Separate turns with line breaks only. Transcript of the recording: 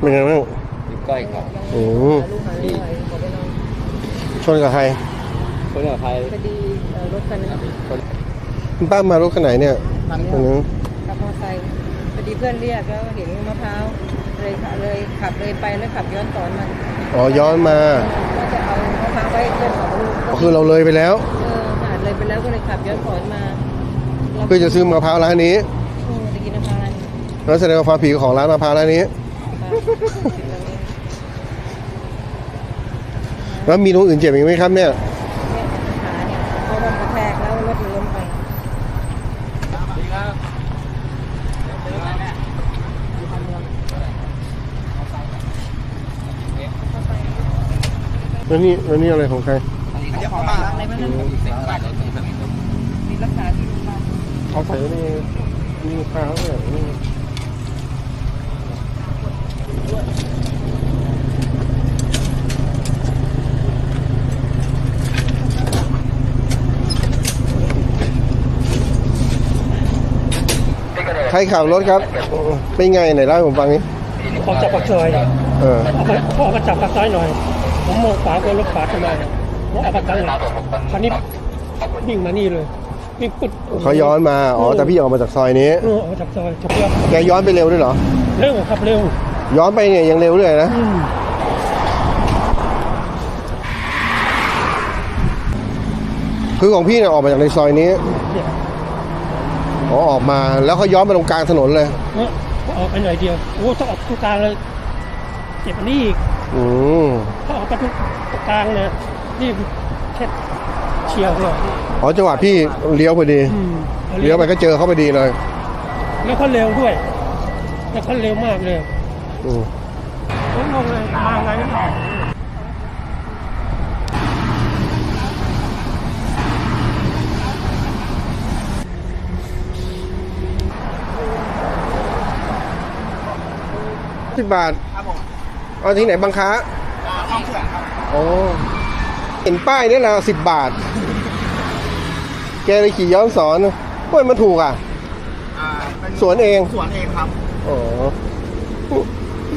เป็นไงบ้าง
อยู่ใกล้ครับ
ชนกับใคร
คนกับใคร
พอดีรถคันนึง
คุณป้ามารถคันไหนเนี่ยคันนึง
ขับมอเตอร์ไซค์พอดีเพื่อนเรียกแล้วเห็นมะพร้าวเลยขับเลยไปแล้วขับย้อนสอนมัน
อ๋อย้อนมา
ก็จะเอามะพร้าวไว้เพื่อนของลูก
คือเราเลยไปแล้ว
เลยไปแล้วก็เลยขับย้อนสอนมา
เพื่อจะซื้อมะพร้าวร้านนี้
จะกินมะพร้าวร้านนี้
แล้วแสดงว่าความผิดของร้านมะพร้าวร้านนี้แล้วมีตรงอื่นเจ็บอีกไหมครับเนี่ย
ขาเนี่ยเขาโดนกระแทกแล้วรถมันล้มไป
แล้วนี่อะไรของใคร
อะไรมันนั่นมีรักษาที่โรงพยาบาล
เขาใส่นี่ข้าวเนี่ยใครขับรถครับเป็นไงไหนเล่าให้ผมฟังนี้
ออกจากปากซอยเขาออกมาจับปากซอยหน่อยผมมองขวาก็รถขวาทำไมผมออกมาจังเลยคันนี้วิ่งมานี่เลยวิ่งปุ๊บ
เขาย้อนมาแต่พี่ออกมาจากซอยนี้
ออกมาจากซอยจับเพื่อน
แกย้อนไปเร็วด้วยเหรอ
เร็วครับเร็ว
ย้อนไปเนี่ยยังเร็วด้วยนะคือของพี่เนี่ยออกมาจากในซอยนี้ออกมาแล้วเขาย้อนไปตรงกลางถนนเลย
ออกไปหน่อยเดียวโอ้ต้องออกตรงกลางเลยเจ็บอันนี้อีกถ้าออกไปตรงกลางเนี่ยนี่แค่เฉียวเลย
จังหวะพี่เลี้ยวพอดีเลี้ยวไปก็เจอเขาพอดีเลย
แล้วเขาเร็วด้วยแล้วเขาเร็วมากเลยผมงงเลยมาไงไม่ออก
10 บาทเอาที่ไหนบางค้าเห็นป้ายนี่แหละ10 บาทแกเลยขี่ย้อนสอนเฮ้ยมันถูกอ่ะสวนเอง
ครับ
อ๋อ